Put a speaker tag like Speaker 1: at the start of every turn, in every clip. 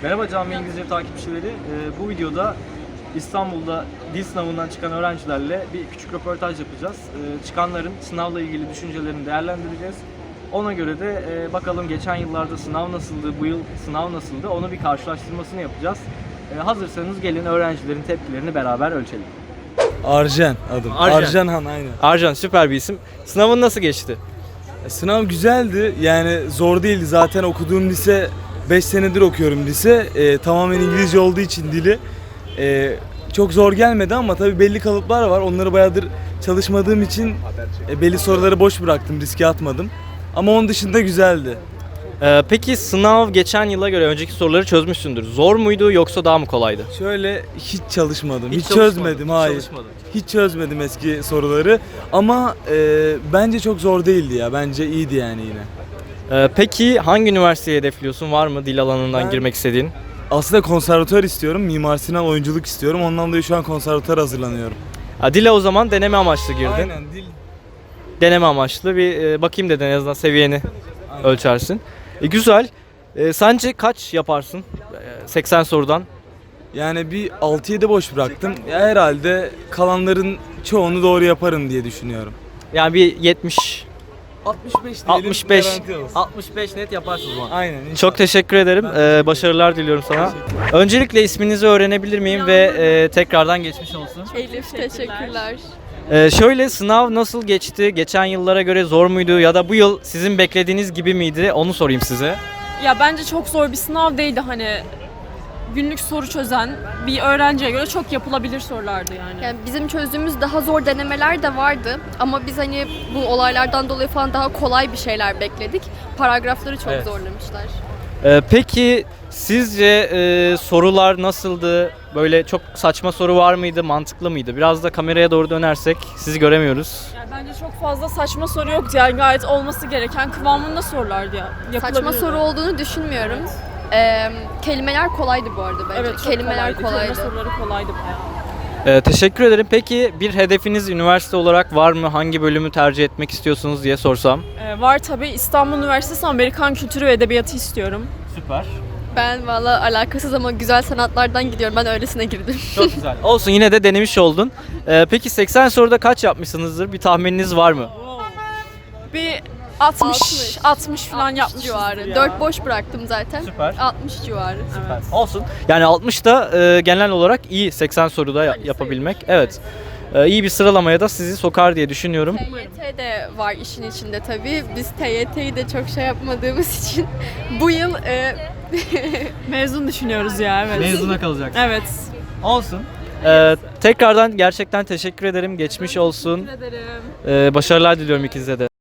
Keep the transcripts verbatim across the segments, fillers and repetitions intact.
Speaker 1: Merhaba Cami İngilizce takipçileri. Ee, bu videoda İstanbul'da dil sınavından çıkan öğrencilerle bir küçük röportaj yapacağız. Ee, çıkanların sınavla ilgili düşüncelerini değerlendireceğiz. Ona göre de e, bakalım geçen yıllarda sınav nasıldı, bu yıl sınav nasıldı, onu bir karşılaştırmasını yapacağız. Ee, hazırsanız gelin öğrencilerin tepkilerini beraber ölçelim.
Speaker 2: Arjen adım.
Speaker 1: Arjen.
Speaker 2: Arjenhan aynen.
Speaker 1: Arjan, süper bir isim. Sınavın nasıl geçti?
Speaker 2: Sınav güzeldi. Yani zor değildi. Zaten okuduğum lise beş senedir okuyorum lise. Ee, tamamen İngilizce olduğu için dili. Ee, çok zor gelmedi ama tabii belli kalıplar var. Onları bayağıdır çalışmadığım için e, belli soruları boş bıraktım. Riske atmadım. Ama onun dışında güzeldi.
Speaker 1: Ee, peki sınav geçen yıla göre önceki soruları çözmüşsündür. Zor muydu yoksa daha mı kolaydı?
Speaker 2: Şöyle hiç çalışmadım. Hiç,
Speaker 1: çalışmadın,
Speaker 2: çözmedim.
Speaker 1: hiç
Speaker 2: Hayır.
Speaker 1: çalışmadın.
Speaker 2: Hiç çözmedim eski soruları. Ama e, bence çok zor değildi ya. Bence iyiydi yani yine.
Speaker 1: Ee, peki hangi üniversiteyi hedefliyorsun? Var mı dil alanından
Speaker 2: Ben-
Speaker 1: girmek istediğin?
Speaker 2: Aslında konservatuvar istiyorum. Mimar Sinan oyunculuk istiyorum. Ondan dolayı şu an konservatuvar hazırlanıyorum.
Speaker 1: Ha, dile o zaman deneme amaçlı girdin.
Speaker 2: Aynen dil.
Speaker 1: Deneme amaçlı bir e, bakayım dedin, en azından seviyeni ölçersin. E, güzel. E, sence kaç yaparsın? E, seksen sorudan.
Speaker 2: Yani bir altı yedi boş bıraktım. Ya herhalde kalanların çoğunu doğru yaparım diye düşünüyorum.
Speaker 1: Yani bir yetmiş,
Speaker 2: altmış beş diyelim.
Speaker 1: altmış beş,
Speaker 2: garanti olsun.
Speaker 1: altmış beş net yaparsın o zaman.
Speaker 2: Aynen. inşallah.
Speaker 1: Çok teşekkür ederim.
Speaker 2: Ben teşekkür
Speaker 1: E, başarılar diliyorum sana. Öncelikle isminizi öğrenebilir miyim ve e, tekrardan geçmiş olsun.
Speaker 3: Elif teşekkürler.
Speaker 1: E, şöyle, sınav nasıl geçti? Geçen yıllara göre zor muydu ya da bu yıl sizin beklediğiniz gibi miydi? Onu sorayım size.
Speaker 4: Ya bence çok zor bir sınav değildi, hani günlük soru çözen bir öğrenciye göre çok yapılabilir sorulardı yani.
Speaker 3: Yani bizim çözdüğümüz daha zor denemeler de vardı ama biz hani bu olaylardan dolayı falan daha kolay bir şeyler bekledik. Paragrafları çok
Speaker 1: Evet.
Speaker 3: zorlamışlar.
Speaker 1: Ee, peki sizce e, sorular nasıldı? Böyle çok saçma soru var mıydı? Mantıklı mıydı? Biraz da kameraya doğru dönersek sizi göremiyoruz.
Speaker 4: Yani bence çok fazla saçma soru yoktu, yani gayet olması gereken kıvamında sorulardı ya.
Speaker 3: Saçma
Speaker 4: Yapılabilirdi.
Speaker 3: soru olduğunu düşünmüyorum. Ee, kelimeler kolaydı bu arada bence.
Speaker 4: Evet, çok
Speaker 3: kelimeler
Speaker 4: kolaydı.
Speaker 3: kolaydı.
Speaker 4: Kelime soruları kolaydı bayağı.
Speaker 1: Ee, teşekkür ederim. Peki bir hedefiniz üniversite olarak var mı? Hangi bölümü tercih etmek istiyorsunuz diye sorsam?
Speaker 4: Ee, var tabii, İstanbul Üniversitesi Amerikan Kültürü ve Edebiyatı istiyorum.
Speaker 1: Süper.
Speaker 3: Ben valla alakasız ama güzel sanatlardan gidiyorum. Ben öylesine girdim.
Speaker 1: Çok güzel. Olsun, yine de denemiş oldun. Ee, peki seksen soruda kaç yapmışsınızdır? Bir tahmininiz var mı?
Speaker 4: Bir altmış,
Speaker 3: altmış.
Speaker 4: altmış falan
Speaker 3: altmış
Speaker 4: yapmışız
Speaker 3: civarı.
Speaker 4: ya.
Speaker 3: dört boş bıraktım zaten.
Speaker 1: Süper.
Speaker 3: altmış civarı.
Speaker 4: Evet.
Speaker 1: Olsun. Yani altmış da e, genel olarak iyi seksen soruda ya- yapabilmek. Evet. E, iyi bir sıralamaya da sizi sokar diye düşünüyorum.
Speaker 3: T Y T de var işin içinde tabii. Biz T Y T'yi de çok şey yapmadığımız için bu yıl e,
Speaker 4: Mezun düşünüyoruz ya, evet.
Speaker 1: Mezuna kalacaksın.
Speaker 4: Evet.
Speaker 1: Olsun. Ee, tekrardan gerçekten teşekkür ederim. Geçmiş olsun.
Speaker 4: Teşekkür ederim.
Speaker 1: Ee, başarılar diliyorum ikinize de.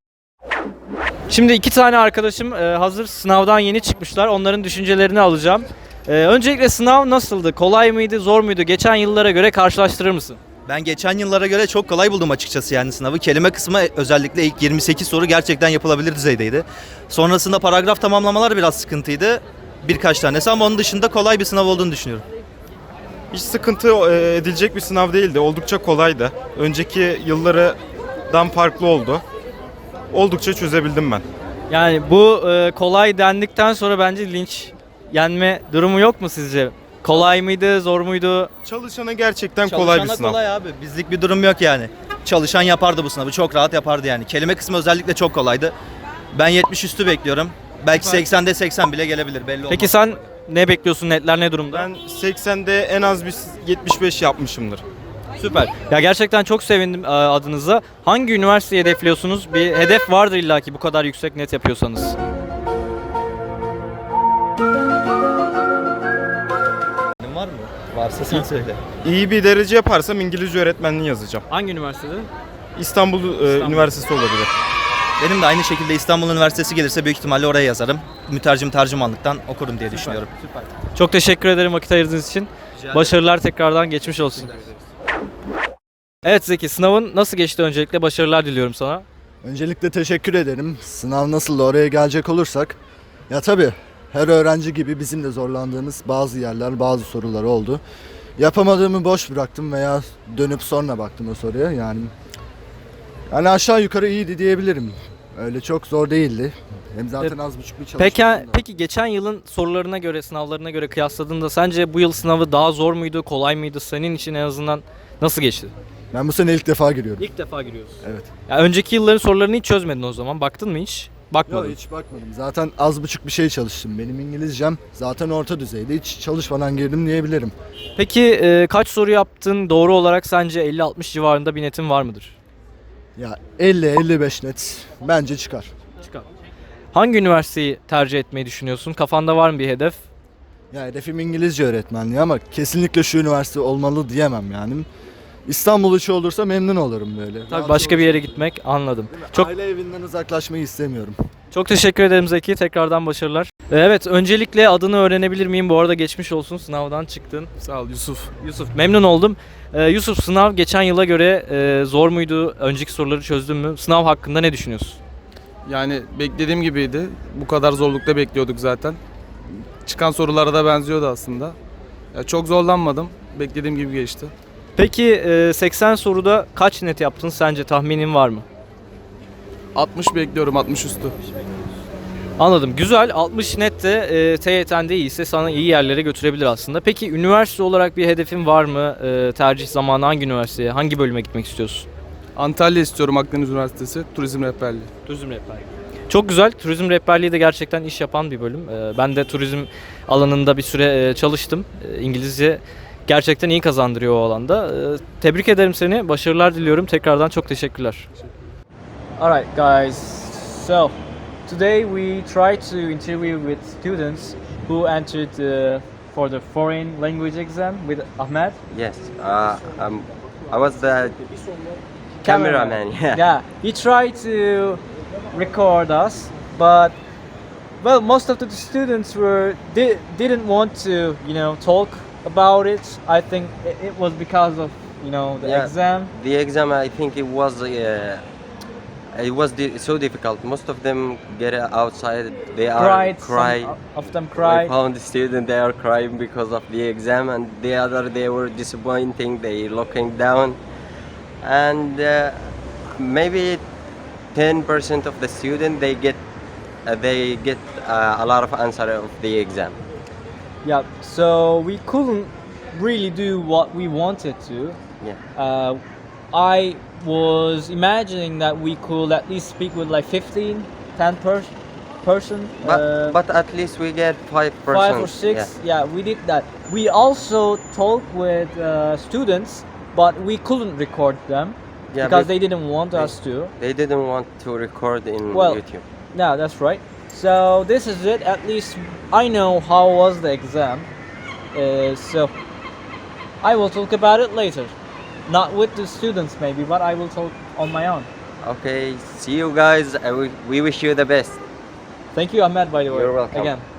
Speaker 1: Şimdi iki tane arkadaşım e, hazır sınavdan yeni çıkmışlar. Onların düşüncelerini alacağım. Ee, öncelikle sınav nasıldı? Kolay mıydı, zor muydu? Geçen yıllara göre karşılaştırır mısın?
Speaker 5: Ben geçen yıllara göre çok kolay buldum açıkçası yani sınavı. Kelime kısmı özellikle ilk yirmi sekiz soru gerçekten yapılabilir düzeydeydi. Sonrasında paragraf tamamlamalar biraz sıkıntıydı. Birkaç tanesi ama onun dışında kolay bir sınav olduğunu düşünüyorum.
Speaker 6: Hiç sıkıntı e, edilecek bir sınav değildi. Oldukça kolaydı. Önceki yıllardan farklı oldu. Oldukça çözebildim ben.
Speaker 1: Yani bu e, kolay dendikten sonra bence linç yenme durumu yok mu sizce? Kolay mıydı, zor muydu?
Speaker 6: Çalışana gerçekten kolay bir
Speaker 5: Çalışana
Speaker 6: sınav.
Speaker 5: kolay abi. Bizlik bir durum yok yani. Çalışan yapardı bu sınavı. Çok rahat yapardı yani. Kelime kısmı özellikle çok kolaydı. Ben yetmiş üstü bekliyorum. Belki seksende seksen bile gelebilir, belli olmaz.
Speaker 1: Peki sen ne bekliyorsun? Netler ne durumda?
Speaker 6: Ben seksende en az bir yetmiş beş yapmışımdır.
Speaker 1: Süper. Ya gerçekten çok sevindim e, adınıza. Hangi üniversiteyi hedefliyorsunuz? Bir hedef vardır illaki, bu kadar yüksek net yapıyorsanız.
Speaker 5: var mı? Varsa sen söyle.
Speaker 6: İyi bir derece yaparsam İngilizce öğretmenliği yazacağım.
Speaker 1: Hangi üniversitede?
Speaker 6: İstanbul, e, Üniversitesi olabilir.
Speaker 5: Benim de aynı şekilde İstanbul Üniversitesi gelirse büyük ihtimalle oraya yazarım. Mütercim tercümanlıktan okurum diye düşünüyorum.
Speaker 1: Süper. Çok teşekkür ederim vakit ayırdığınız için. Başarılar tekrardan, geçmiş olsun. Evet Zeki, sınavın nasıl geçti öncelikle? Başarılar diliyorum sana.
Speaker 7: Öncelikle teşekkür ederim. Sınav nasıl, oraya gelecek olursak. Ya tabii her öğrenci gibi bizim de zorlandığımız bazı yerler, bazı sorular oldu. Yapamadığımı boş bıraktım veya dönüp sonra baktım o soruya. Yani yani aşağı yukarı iyiydi diyebilirim. Öyle çok zor değildi. Hem zaten az buçuk bir çalışmıştım
Speaker 1: Peki,
Speaker 7: da.
Speaker 1: peki geçen yılın sorularına göre, sınavlarına göre kıyasladığında sence bu yıl sınavı daha zor muydu, kolay mıydı? Senin için en azından nasıl geçti?
Speaker 7: Ben bu sene ilk defa giriyorum.
Speaker 1: İlk defa giriyorsun.
Speaker 7: Evet.
Speaker 1: Ya önceki yılların sorularını hiç çözmedin o zaman. Baktın mı hiç? Bakmadın.
Speaker 7: Yok hiç bakmadım. Zaten az buçuk bir şey çalıştım. Benim İngilizcem zaten orta düzeyde. Hiç çalışmadan girdim diyebilirim.
Speaker 1: Peki e, kaç soru yaptın? Doğru olarak sence elli altmış civarında bir netin var mıdır?
Speaker 7: Ya elli elli beş net bence çıkar.
Speaker 1: Çıkar. Hangi üniversiteyi tercih etmeyi düşünüyorsun? Kafanda var mı bir hedef?
Speaker 7: Ya hedefim İngilizce öğretmenliği ama kesinlikle şu üniversite olmalı diyemem yani. İstanbul içi olursa memnun olurum böyle.
Speaker 1: Tabii
Speaker 7: Rahat
Speaker 1: başka bir
Speaker 7: olursa-
Speaker 1: yere gitmek, anladım.
Speaker 7: Çok...
Speaker 1: Çok
Speaker 7: Aile evinden uzaklaşmayı istemiyorum.
Speaker 1: çok teşekkür ederim Zeki. Tekrardan başarılar. Ee, Evet, öncelikle adını öğrenebilir miyim? Bu arada geçmiş olsun. Sınavdan çıktın.
Speaker 8: Sağ ol Yusuf.
Speaker 1: Yusuf, memnun oldum. Ee, Yusuf, sınav geçen yıla göre e, zor muydu? Önceki soruları çözdün mü? Sınav hakkında ne düşünüyorsun?
Speaker 8: Yani beklediğim gibiydi. Bu kadar zorlukta bekliyorduk zaten. Çıkan sorulara da benziyordu aslında. Ya çok zorlanmadım. Beklediğim gibi geçti.
Speaker 1: Peki e, seksen soruda kaç net yaptın? Sence tahminin var mı?
Speaker 8: altmış bekliyorum, altmış üstü.
Speaker 1: Anladım. Güzel. altmış net de e, T Y T'nde iyiyse sana iyi yerlere götürebilir aslında. Peki üniversite olarak bir hedefin var mı? E, tercih zamanı hangi üniversiteye, hangi bölüme gitmek istiyorsun?
Speaker 8: Antalya istiyorum, Akdeniz Üniversitesi Turizm Rehberliği.
Speaker 1: Turizm rehberliği. Çok güzel. Turizm rehberliği de gerçekten iş yapan bir bölüm. E, ben de turizm alanında bir süre e, çalıştım. E, İngilizce gerçekten iyi kazandırıyor o alanda. E, tebrik ederim seni. Başarılar diliyorum. Tekrardan çok teşekkürler. Alright guys. So today we try to interview with students who entered uh, for the foreign language exam with Ahmed.
Speaker 9: Yes, uh, um, I was the cameraman. Yeah.
Speaker 1: Yeah, he tried to record us, but well, most of the students were di- didn't want to, you know, talk about it. I think it, it was because of, you know, the
Speaker 9: Yeah.
Speaker 1: exam.
Speaker 9: The exam, I think it was uh, it was di- so difficult. Most of them get outside. They are
Speaker 1: Cried.
Speaker 9: cry.
Speaker 1: Some of them
Speaker 9: I
Speaker 1: cried.
Speaker 9: found the student they are crying because of the exam, and the other they were disappointing. They looking down, and uh, maybe ten percent of the student they get uh, they get uh, a lot of answer of the exam.
Speaker 1: Yeah, so we couldn't really do what we wanted to.
Speaker 9: Yeah.
Speaker 1: Uh, I was imagining that we could at least speak with like fifteen, ten per- person.
Speaker 9: But
Speaker 1: uh,
Speaker 9: but at least we get five percent.
Speaker 1: five or six. Yeah. we did that. We also talked with uh, students, but we couldn't record them
Speaker 9: Yeah,
Speaker 1: because
Speaker 9: but
Speaker 1: they didn't want
Speaker 9: they-
Speaker 1: us to.
Speaker 9: They didn't want to record in
Speaker 1: Well,
Speaker 9: YouTube.
Speaker 1: Yeah, that's right. So this is it. At least I know how was the exam. Uh, so I will talk about it later. Not with the students maybe, but I will talk on my own.
Speaker 9: Okay, see you guys. I wi- we wish you the best.
Speaker 1: Thank you, Ahmed, by the way.
Speaker 9: You're welcome.
Speaker 1: Again.